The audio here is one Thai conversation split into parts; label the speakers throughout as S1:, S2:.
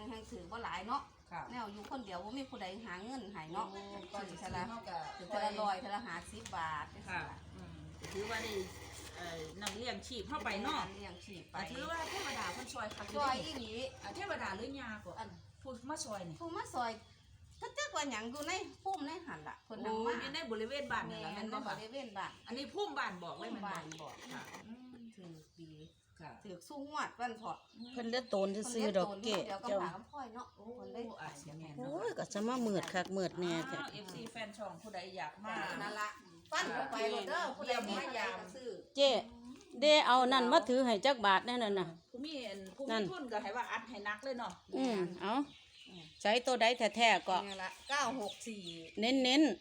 S1: งถือว่าหลายเนาะแนวอยู่คนเดียวว่ามีผู้ใดหาเงินหายเนาะถือทะละ100ทะละ50 บาทค่ะ
S2: ถือว่าได้นำเลี้ยงชีพเข้าไปเนาะ
S1: เลี้ยงชีพไป
S2: ถือว่าเทวดาคนซอยค่ะ
S1: ซอยอีหลี
S2: เทวดาหรือยาก็ผู้มาซอยนี่
S1: ผู้มาซอยถ้าเจ้าว่าหยังอยู่ในพุ่มในหันล่ะคนนำมา
S2: อยู่ในบริเวณบ้านนั่นล่ะแม่นบ่ค่ะ
S1: บริเวณบ้าน
S2: อันนี้พุ่มบ้านบอกไว้มัน
S1: บ้านบอก
S2: ค่ะ
S1: ถือปีถือสู้งวดวันเถาะ
S3: เพิ่นเลือดโตนซื่อดอกเกะ
S1: เจ้าพ่อยเนาะคนได้
S3: โอ้ยก็จะมามืดคักมืดแน่จ้ะ
S2: FC แฟนช่องผู้ใดอยากมา
S1: นั่นล่ะปั้นไปโลดเด้อผู้ใดมียามซื้อ
S3: เจ๊เด้เอานั่นมาถือให้จักบาทแน่นั่นน่ะ
S2: ผู้มีทุนก็ให้ว่าอัดให้นักเลยเนาะ
S3: เอาใช้ตัวใดแท้ๆก็
S1: นี่ล่ะ964
S3: เน้น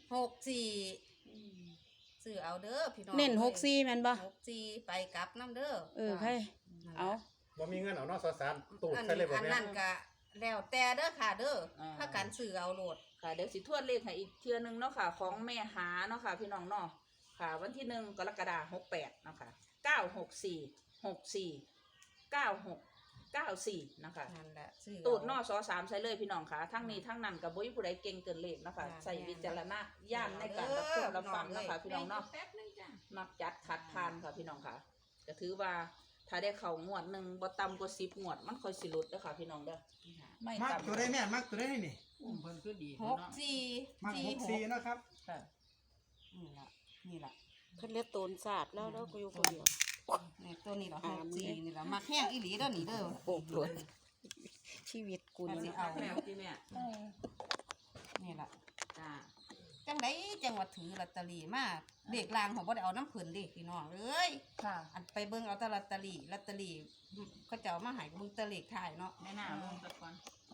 S1: 64ซื้อเอาเด้อพี่น้อง
S3: เน้น64แม่นบ่
S1: 64ไปกลับนำเด้อ
S3: ใครเอา
S4: บ่มีเงินเอาเนาะตูดใส่เลยบ่แม่
S1: อันนั้นก็แล้วแต่เด้อค่ะเด้อถ้ากันซื้อเอาโลด
S2: ค่ะเดี๋ยวสิทวนเลขให้อีกเทื่อนึงเนาะค่ะของแม่หาเนาะค่ะพี่น้องเนาะค่ะวันที่1กรกฎาคม68เนาะค่ะ964นะคะ
S1: นั่นแหละ
S2: ตูดนอสอ3ใส่เลยพี่น้องค่ะทั้งนี้ทั้งนั้นกับบ่มีผู้ใดเก่งเกินเลขนะคะใส่วิจารณญาณในการรับชมรับฟังนะคะพี่น้องเนาะมักจัดขัดทานค่ะพี่น้องค่ะจะถือว่าถ้าได้เข้างวดนึงบ่ต่ำกว่า10งวดมันค่อยสิหลุดเด้อค่ะพี่น้องเด้อ
S5: ไม่มักตัวได้แม่มักตัวได้นี่
S2: เพิ่นคือดี
S1: 64
S5: มัก64นะครับ
S1: ค่ะนี่ล่ะ
S3: เพิ่นเลือดโตนสาดแล้วกูอยู่คนเดียว
S1: นี่ตัวนี้เหรอ64นี่ล่ะมักแห้งอีหลีเด้อนี่เด้อ
S3: โปกหลวนชีวิตกู
S1: นี่เอา
S2: แม่พี่แม่
S1: นี่ล่ะ
S2: จ้า
S1: จังไดจังว่าถือลอตเตอรี่มาเด็กลางของบ่ได้เอาน้ำเพิ่นดิพี่น้องเอ้ย
S2: ค่ะ
S1: อันไปเบิ่งเอาแต่ลอตเตอรี่เขาเจ้ามาให้เบิ่งตะเลขท้ายเนาะ
S2: แม่น่าลงตะก่อน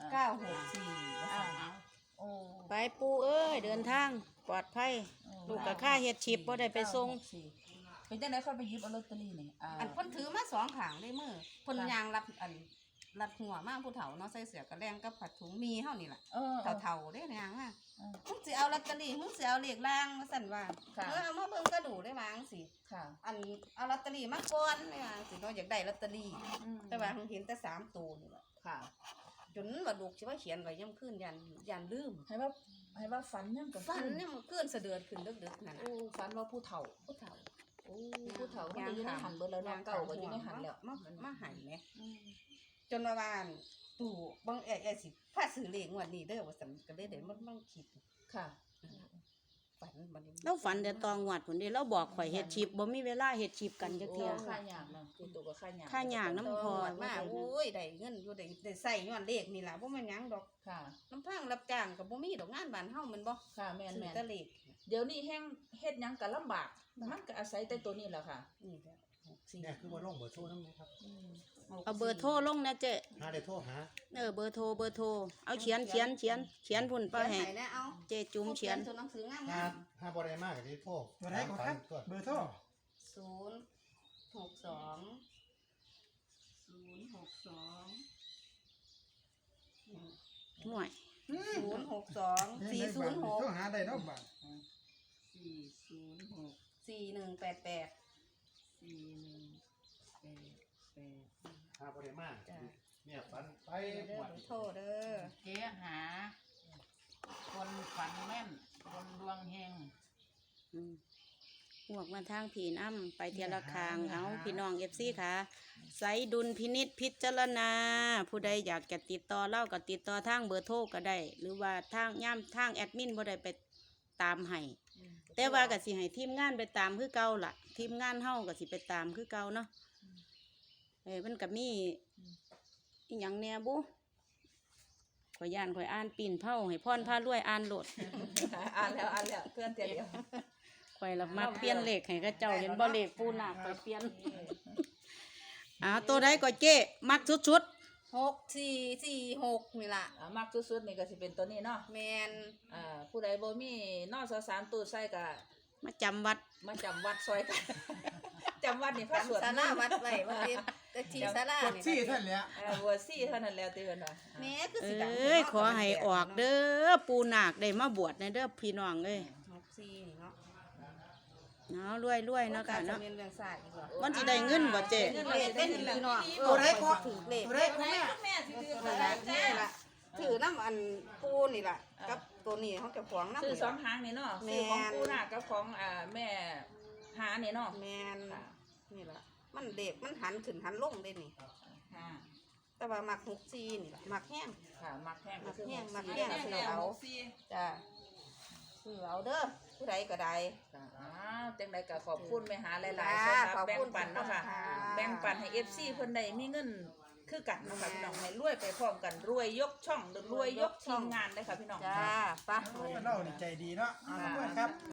S1: 964
S2: โอ้
S3: ไปปูเอ้ยเดินทางปลอดภัยลูกกับข้าเฮ็ดชิปบ่ได้ไปส่ง
S2: เป็นจังได๋ค่อยไปหยิบเอาลอตเตอรี่นี่
S1: อันเพิ่นถือมา2ข้างได้มือเพิ่นยางรับหัวมาผู้เฒ่าเนาะใส่เสื้อกระแลงกับผัดถุงมีเฮานี่ล่ะเฒ่าๆเด้ยางว่ามึงสิเอาลอตเตอรี่มึงสิเอาเลขล่างว่าซั่นว่าเอามาเบิ่งกระดูได้วาจังสิอันเอาลอตเตอรี่มาก่อนได้ว่าสิเนาะอยากได้ลอตเตอรี่แต่ว่าเห็นแต่3ตัวนี่ล่ะ
S2: ค่ะ
S1: จนว่าลูกสิว่าเขียนไว้ย่ำคืนยันลืม
S2: ให้ว่าฝันยังกับ
S1: ฝันเนี่ยมันคืนเสดือดขึ้นดึกๆนั่นน่ะ
S2: ฝันว่าผู้เฒ่าโอ้ผู้เฒ่ามันอยู่ในหันเบิดแล้วเก่าก็อยู่ในหันแล้ว
S1: มาหันแหมจนว่าตู่บังสิพาซื้อเลขงวดนี้เด้อว่าซั่นก็เลยได้มันคิด
S2: ค่ะ
S1: ฝันบัดนี้
S3: เราฝันแต่ตองวัดพุ่นเด้เราบอกข่อยเฮ็ดชิปบ่มีเวลาเฮ็ดชิปกันจักเที่ย
S2: ค่ายากเนาะคือตัวก็ค่ายาก
S3: ค่ายากนำพอ
S1: มาโอ้ยได้เงินอยู่ได้ใช้ย้อนเลขนี่ล่ะบ่แม่นหยังดอก
S2: ค่ะ
S1: น้ำพังรับจ้างก็บ่มีดอกงานบ้านเฮามันบ่
S2: ค่ะแม่น
S1: แต่เลข
S2: เดี๋ยวนี้แฮงเฮ็ดหยังก็ลำบากมันก็อาศัยแต่ตัวนี้แหละค่ะ
S1: นี่แหละ
S4: เนี่ยคือบ่ลงเบอร์โทรนำครับ
S3: เอาเบอร์โทรลงนะเจ๊
S4: หาได้โทรหา
S3: เบอร์โทรเอาเขียนพุ่นไปให้เจ๊จุ๋มเขียน
S1: ตัวหนังสืองาม
S4: หาบ่ได้มากก็สิโทร
S5: ตัวไหนก่อนครับเบอร์โทร
S3: ห่วย
S1: 062 406
S5: โทรหาได้เนาะบัด
S1: 4188
S4: หาบ่ได้มากเนี่ยฝันไปหมด
S1: โทรเด้อ
S2: เจ๊หาคนฝันแม่นคนดวงเฮง
S3: หวกมาทางผีน้ำไปเทียละคางเอาพี่น้อง FC ค่ะใส่ดุลพินิจพิจารณาผู้ใดอยากจะติดต่อเล่าก็ติดต่อทางเบอร์โทรก็ได้หรือว่าทางแอดมินบ่ได้ไปตามให้แต่ว่าก็สิให้ทีมงานไปตามคือเก่าล่ะทีมงานเฮาก็สิไปตามคือเก่าเนาะมันก็มีอีหยังแหน่บุข่อยอ่านปีนเผาให้พรพารวยอ่านโหลด
S2: อ่านแล้วเพื่อนเดียว
S3: ข่อยละมักเปลี่ยนเลขให้เขาเจ้าเห็นบ่เลขปูนาคข่อยเปลี่ยนตัวใดก็เจ๊มักชุด
S1: 6446นี่ล่ะ
S2: มักสุดๆนี่ก็สิเป็นตัวนี้เนาะ
S1: แม่น
S2: ผู้ใดบ่มีนอส3ตูดใส่ก็
S3: มาจำวัด
S2: ซอยกันจำวัดนี่พระสวด
S1: ศาลาวัดไว้ว่าแต่ที่ศาลา
S5: นี่ซี่ท่านแหละ
S2: บ่ซี่เท่านั้นแล้วเตือนว่า
S1: แม่คือสิดัง
S3: ขอให้ออกเด้อปูนาคได้มาบวชในเด้อพี่น้องเอ้ย
S1: 64นี่เนาะ
S3: รวยเนาะค่ะเนาะมันสิ
S1: ได้
S3: เงินบ่เจ๊
S1: เงินได้พี่น้อง
S5: ตัวไหนก็
S1: ถือเลข
S5: ตัวไหน
S2: แม่สิถือ
S1: แม่สิอันปูนี่ล่ะกับตัวนี้เขาจะขวางน้ำ
S2: ซื้อ
S1: นี่
S2: สอ
S1: ล่ะ
S2: งหางนี่เนาะ
S1: แม่
S2: ซื้อของ
S1: น
S2: ปูนากับของแม่หานี่เนาะ
S1: แมน
S2: ค่ะ
S1: นี่ล่ะมันเด็กมันหันขึ้นหันลงได้นี่
S2: ค่ะ
S1: แต่ว่ามักหกซีนี่ล่ะมักแห้ง
S2: ค่ะมักแห้งก็ซื้อ
S1: มัก
S2: หก
S1: แห้
S2: สี่
S1: งซื้อเอาจ้าซื้อเอาเด้อผู้ใดก็ได้
S2: ค่ะอ้าวจังใดก็ขอบคุณแม่หาหลายๆ
S1: จ้า
S2: สำหรับ
S1: ขอบ
S2: แบ่ง
S1: คุณ
S2: ปันเนาะค่ะ
S1: ค่ะ
S2: แบ่งปันให้ FC เพิ่นได้มีเงินคือกันเนาะค่ะพี่น้องให้รวยไปพร้อมกันรวยยกช่องหรือรวยยกทีมงานเลยค่ะพี่น้อง
S1: จ้าไป
S5: โอ้เล่านี่ใจดีเนาะขอบคุณครับ